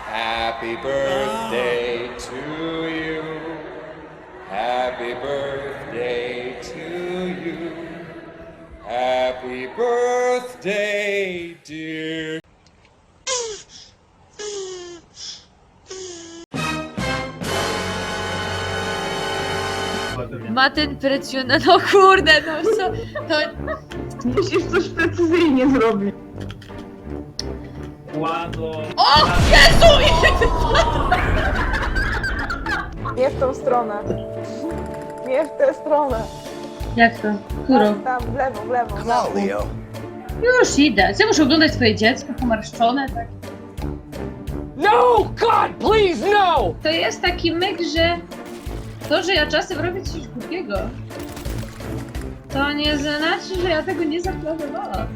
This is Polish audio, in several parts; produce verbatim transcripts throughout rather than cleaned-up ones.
Happy birthday to you. Happy birthday to you. Happy birthday, dear. Ma ten precjona, no kurde, no co, to... Musisz coś precyzyjnie zrobić. Kładło. O Jezu! Nie w tą stronę. Nie w tę stronę. Jak to? Którą? Tam, w lewo, w lewo, w lewo. Już idę. Co, muszę oglądać swoje dziecko pomarszczone, tak? No! God, please, no! To jest taki myk, że to, że ja czasem robię coś głupiego, to nie znaczy, że ja tego nie zaplanowałam.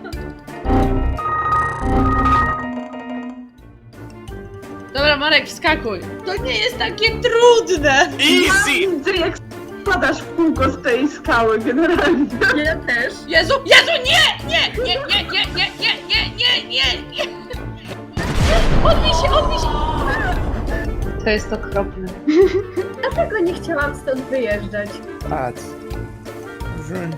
Dobra, Marek, wskakuj. To nie jest takie trudne. Ja widzę, jak spadasz w kółko z tej skały generalnie. Ja też. Jezu, Jezu, nie! Nie, nie, nie, nie, nie, nie, nie, nie, nie, nie. Odbij się, odbij się. To jest okropne. Dlatego nie chciałam stąd wyjeżdżać. Patrz. Wrzuń.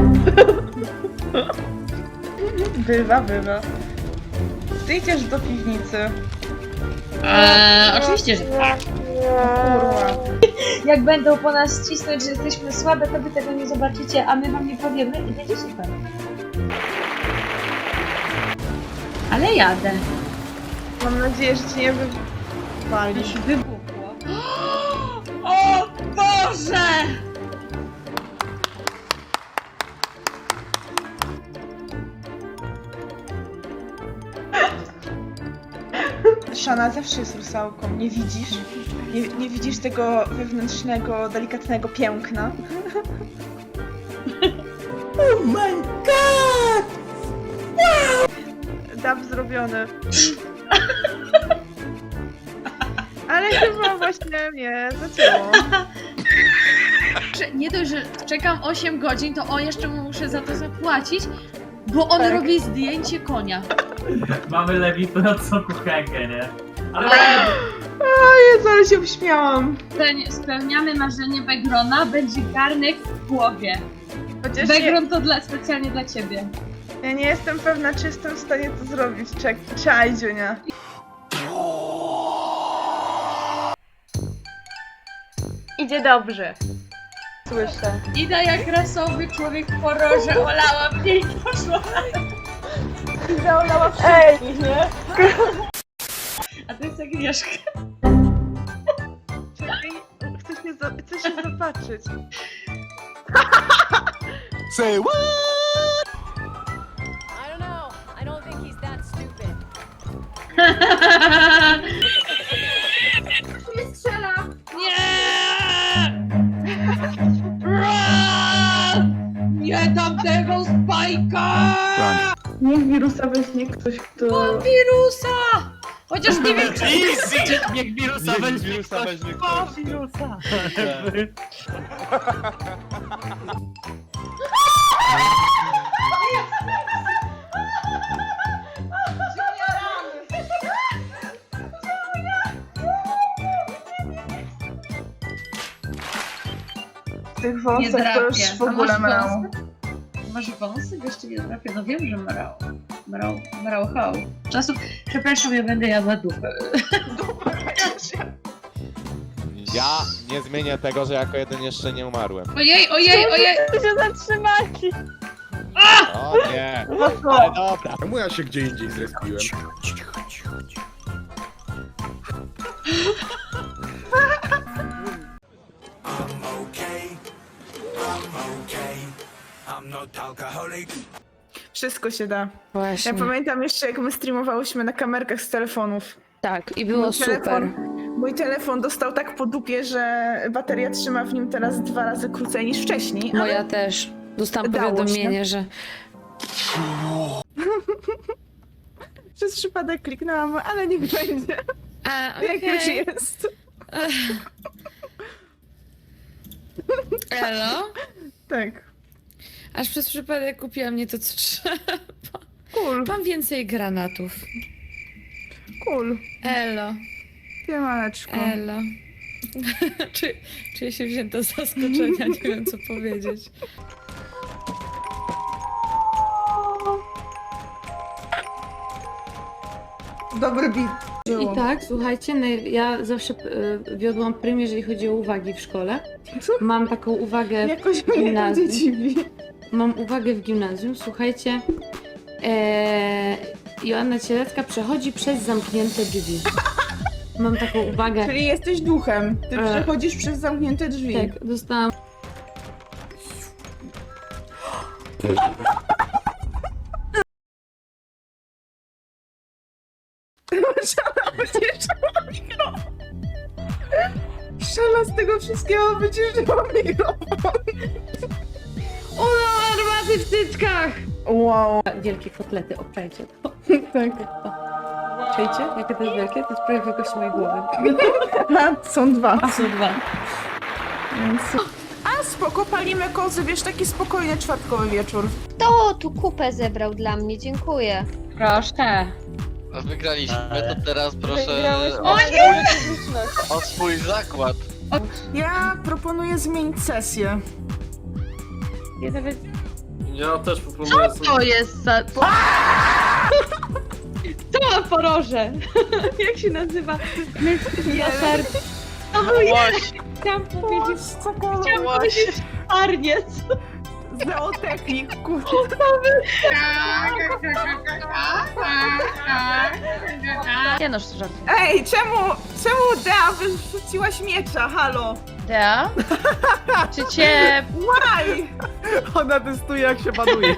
Bywa, bywa. Ty idziesz do piwnicy. Eee, oczywiście, że tak. Kurwa. Jak będą po nas cisnąć, że jesteśmy słabe, to wy tego nie zobaczycie, a my wam nie powiemy i będzie super. Ale jadę. Mam nadzieję, że cię nie wypalisz. Wybuchło. O Boże! Shana zawsze jest rusałką, nie widzisz? Nie, nie widzisz tego wewnętrznego, delikatnego piękna? Oh my god! Wow! Dab zrobiony. Ale chyba właśnie mnie zacięło. Że nie dość, że czekam osiem godzin, to o jeszcze mu muszę za to zapłacić, bo on Tak. robi zdjęcie konia. Mamy lewitującą kuchenkę, nie? Ale O Jezu, ale się uśmiałam. Spełni- Spełniamy marzenie Begrona, będzie garnek w głowie. Chociaż nie, Begron to dla, specjalnie dla ciebie. ja nie jestem pewna, czy jestem w stanie to zrobić. Czek, czaj, Dziunia. Idzie dobrze. Słyszę. Ida jak rasowy człowiek w horrorze, olała mnie i poszła. Zaolała wszystkich, nie? A to jest Agnieszka. Czekaj, chcę się, za- chcę się zobaczyć. Say what? I don't know. I don't think he's that stupid. Nie strzela! Nie! Nie dam tego spajka! Niech wirusa weźmie ktoś, kto... Wirusa! Chociaż nie wiem, czy... easy! Niech wirusa Niech weźmie wirusa ktoś. weźmie O, ktoś. wirusa! w tych Nie wąsach to drapie. już w A ogóle masz mrało. wąsy? Masz wąsy? Jeszcze nie drapie. No wiem, że mrał. Mrał, mrał hał. Czasów... Przepraszam, ja będę jadła dupę. Ja nie zmienię tego, że jako jeden jeszcze nie umarłem. Ojej, ojej, ojej! się zatrzymali! O nie. Ale dobra. Czemu ja się gdzie indziej zrespiłem? Wszystko się da. Właśnie. Ja pamiętam jeszcze, jak my streamowałyśmy na kamerkach z telefonów. Tak, i było Mój super. telefon, mój telefon dostał tak po dupie, że bateria trzyma w nim teraz dwa razy krócej niż wcześniej. ale Moja też. Dostałam Dało się. powiadomienie, że Przez przypadek kliknęłam, ale niech będzie. A, Jak już okej. jest. Elo? Tak. Aż przez przypadek kupiłam nie to, co trzeba. Cool. Mam więcej granatów. Cool. Elo, Siemaneczko. elo. Czy, czuję się wzięta z zaskoczenia, nie wiem co powiedzieć. Dobry beat. I tak, słuchajcie, no ja zawsze y, wiodłam prym, jeżeli chodzi o uwagi w szkole. Mam taką uwagę Jakoś w mnie to gimnazjum. dziwi. Mam uwagę w gimnazjum, słuchajcie. E, Joanna Cielecka przechodzi przez zamknięte drzwi. Mam taką uwagę. Czyli jesteś duchem. Ty E. przechodzisz przez zamknięte drzwi. Tak, dostałam. Szala z tego wszystkiego wyciszyła mikrofon. Ona armaty w tyczkach! Wow. Wielkie kotlety, obczajcie to. Tak. Czajcie? Jakie to jest wielkie? To jest prawie wielkości mojej głowy. A, są dwa. A są dwa. Więc... A spoko, palimy kozy, wiesz, taki spokojny czwartkowy wieczór. Kto tu kupę zebrał dla mnie? Dziękuję. Proszę. Wygraliśmy, to teraz proszę Wygrałyśmy. o, o swój zakład. Ja proponuję zmienić sesję. Ja nawet... Ja też proponuję sobie... To jest za... Co ma poroże? Jak się nazywa? Jeleń. Właśnie, Chciałam powiedzieć... Cokolwiek. Chciałam powiedzieć arniec. Zootechnik, kurczę. Nie no, żart. Ej, czemu, czemu Dea wyrzuciłaś miecza, halo? Dea? Czy cię... Why? Ona testuje jak się banuje.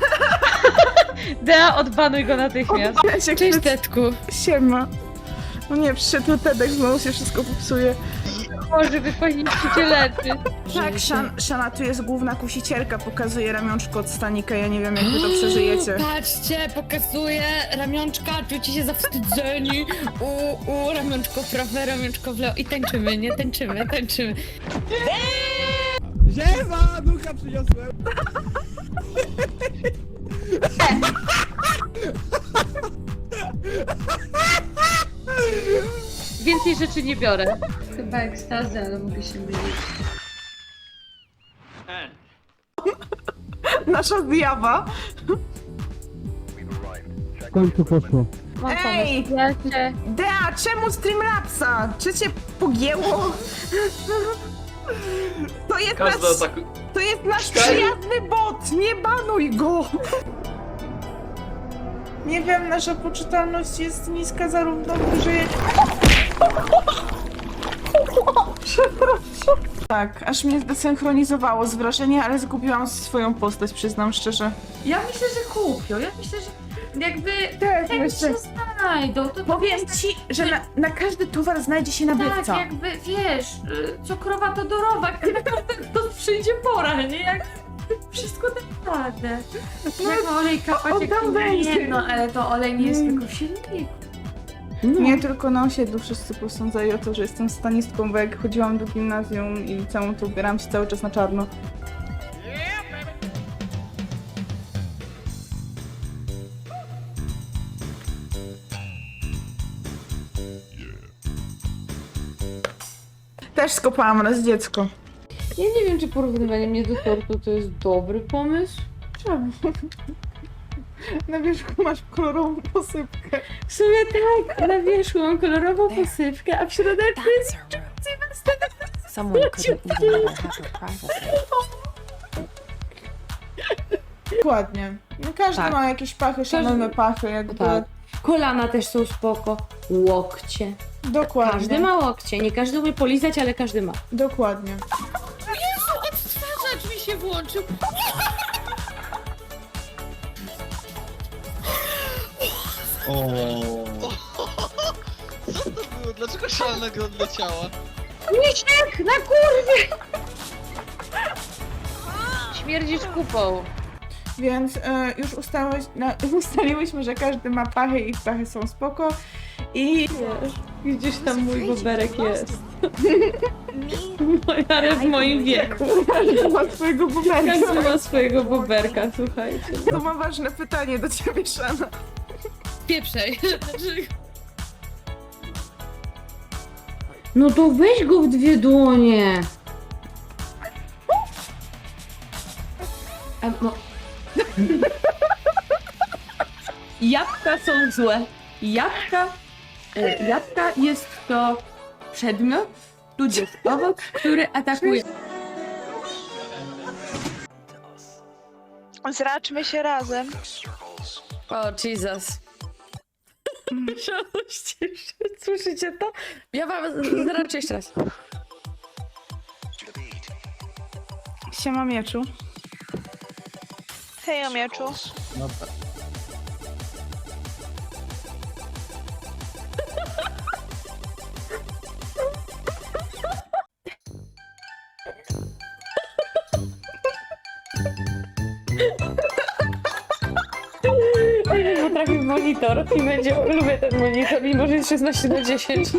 Dea, odbanuj go natychmiast. Cześć Tetku. Siema. No nie, przyszedł Tedek, znowu się wszystko popsuje. Może wy powinniście cię leczyć. Tak, Szan, Szana, tu jest główna kusicielka, pokazuje ramionczko od stanika, ja nie wiem jak wy to przeżyjecie. Patrzcie, pokazuję ramionczka, czujcie się zawstydzeni. U, u, ramionczko w prawe, ramionczko w lewo. I tańczymy, nie? Tańczymy, tańczymy. Ziema! Ducha przyniosłem! Więcej rzeczy nie biorę. Chyba ekstazy, ale mogę się mylić. Nasza zjawa. Mam Ej! pomysł. Ja cię... Dea, czemu Streamlabsa? Czy cię pogięło? To jest nasz, Każdy ataku... to jest nasz przyjazny bot, nie banuj go! Nie wiem, nasza poczytalność jest niska zarówno w grze, jak... Przepraszam. Tak, aż mnie zdesynchronizowało z wrażenia, ale zgubiłam swoją postać, przyznam szczerze. Ja myślę, że kupią. Ja myślę, że jakby... Tak, Jak się znajdą, to... Powiem ci, że na, na każdy towar znajdzie się nabywca. Tak, jakby, wiesz, y, cukrowa Todorowa, na każdego przyjdzie pora, nie? Jak wszystko tak radę. Jak olej kapać, on jak tam to będzie. nie, no ale to olej nie jest Mm. tylko w silniku. Nie tylko na osiedlu wszyscy posądzali o to, że jestem stanistką, bo jak chodziłam do gimnazjum i całą to ubierałam się cały czas na czarno. Też skopałam raz dziecko. Ja nie wiem, czy porównywanie mnie do tortu to jest dobry pomysł. Czemu? Na wierzchu masz kolorową posypkę. W sumie tak, na wierzchu mam kolorową posypkę, a w środku jest Dokładnie. No każdy Tak. ma jakieś pachy, szanujmy pachy, jakby. Tak. Kolana też są spoko. Łokcie. Dokładnie. Każdy ma łokcie. Nie każdy umie polizać, ale każdy ma. Dokładnie. Odtwarzacz mi się włączył. Co to było? Dlaczego szalnego odleciała? Misiek, na kurwie! Śmierdzisz kupą. Więc e, już ustałeś, na, ustaliłyśmy, że każdy ma pachy i ich pachy są spoko. I Gdzieś tam mój boberek jest. Ale w moim wieku. każdy ma swojego bumerka. Każdy ma swojego boberka, słuchajcie. To ma ważne pytanie do ciebie, Szana. Pieprzej. Znaczy, No to weź go w dwie dłonie. A, no, Jabłka są złe. Jabłka, e, jabłka jest to przedmiot, tudzież owoc, który atakuje. Zraczmy się razem. O, Jesus. Słyszycie to? Ja wam zraczę jeszcze raz. Siema mieczu. Hej, o mieczu. Nie potrafię monitor i będzie, lubię ten monitor, mimo że jest szesnaście na dziesięć.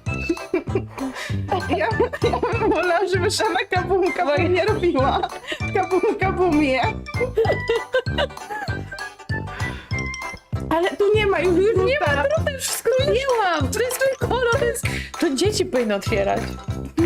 Ja, ja bym wolała, żeby Szana kabum kabum nie robiła. Kabum kabum je. Ale tu nie ma już nie ma, Wszystko zdjęłam! To jest mój kolor, to jest... To dzieci powinny otwierać.